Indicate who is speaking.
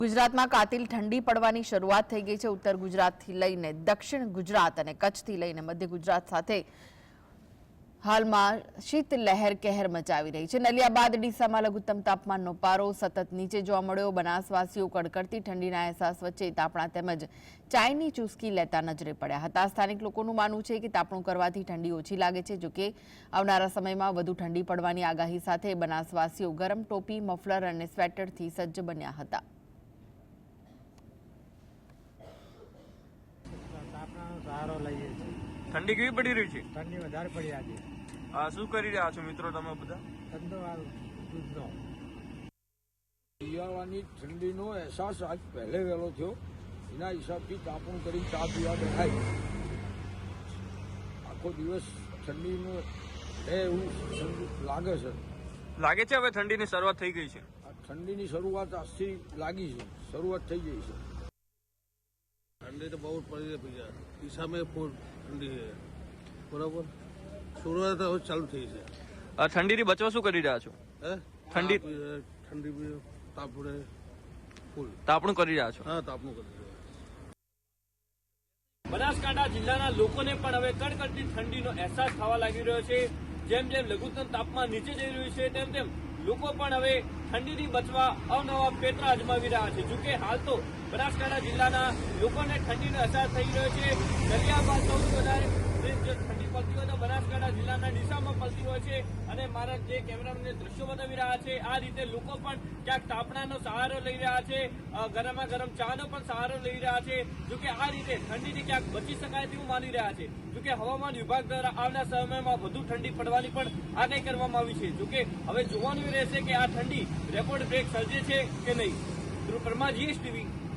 Speaker 1: ગુજરાતમાં કાતિલ ઠંડી પડવાની શરૂઆત થઈ ગઈ છે। ઉત્તર ગુજરાતથી લઈને દક્ષિણ ગુજરાત અને કચ્છથી લઈને મધ્ય ગુજરાત સાથે હાલમાં શીત લહેર કહેર મચાવી રહી છે। નલિયા બાદ ડીસામાં લઘુત્તમ તાપમાનનો પારો સતત નીચે જોવા મળ્યો। બનાસવાસીઓ કડકડતી ઠંડીના અહેસાસ વચ્ચે તાપણા તેમજ ચાયની ચૂસકી લેતા નજરે પડ્યા હતા। સ્થાનિક લોકોનું માનવું છે કે તાપણું કરવાથી ઠંડી ઓછી લાગે છે। જોકે આવનારા સમયમાં વધુ ઠંડી પડવાની આગાહી સાથે બનાસવાસીઓ ગરમ ટોપી, મફલર અને સ્વેટરથી સજ્જ બન્યા હતા।
Speaker 2: ठंडी केवी पड़ी रही है?
Speaker 3: ठंडी વધારે પડી આજે।
Speaker 2: શું કરી રહ્યા છો મિત્રો તમે બધા?
Speaker 3: ધંધો દૂધનો શિયાળાની ઠંડીનો અહેસાસ આજ પહેલે વહેલો થયો। એના હિસાબથી તાપણું કરી ચા પીવા બેઠાય। આખો દિવસ ઠંડીનો એવું લાગે છે।
Speaker 2: લાગે છે હવે ઠંડીની શરૂઆત થઈ ગઈ છે?
Speaker 3: આ ઠંડીની શરૂઆત આજથી લાગી છે, શરૂઆત થઈ ગઈ છે।
Speaker 4: ठंडी तो बहुत पड़ी है भैया, ईसा में फुल ठंडी है बराबर। शुरुआत चालू थी है।
Speaker 2: ठंडी बचवा शू કરી રહ્યા છો? ठंडी
Speaker 4: ठंडी भी तापड़े फुल
Speaker 2: તાપણું કરી રહ્યા છો?
Speaker 4: हाँ, तापणુं કરી રહ્યા।
Speaker 5: બનાસકાંઠા જિલ્લાના લોકોને પણ હવે કડકડતી ઠંડીનો અહેસાસ થવા લાગી રહ્યો છે। જેમ જેમ લઘુત્તમ તાપમાન નીચે જઈ રહ્યું છે તેમ તેમ લોકો પણ હવે ઠંડીથી બચવા અવનવા પેટરા અજમાવી રહ્યા છે। જોકે હાલ તો બનાસકાંઠા જિલ્લાના લોકોને ઠંડીનો અહેસાસ થઈ રહ્યો છે। નલિયા બાદ સૌથી વધારે ઠંડી પડતી હોય તો બનાસકાંઠા જિલ્લાના ડીસામાં પડતી હોય છે અને મારા જે કેમેરામેનને દ્રશ્યો બતાવી રહ્યા છે આ રીતે લોકો પણ ક્યાંક તાપણાનો સહારો લઈ રહ્યા છે, ગરમા ગરમ ચાનો પણ સહારો લઈ રહ્યા છે। જોકે આ રીતે ઠંડીથી ક્યાંક બચી શકાય તેવું માની રહ્યા છે। જોકે હવામાન વિભાગ દ્વારા આવનાર સમયમાં વધુ ઠંડી પડવાની પણ આગાહી કરવામાં આવી છે। જોકે હવે જોવાનું રહેશે કે આ ઠંડી રેકોર્ડ બ્રેક સર્જે છે કે નહીં। પરમા GS TV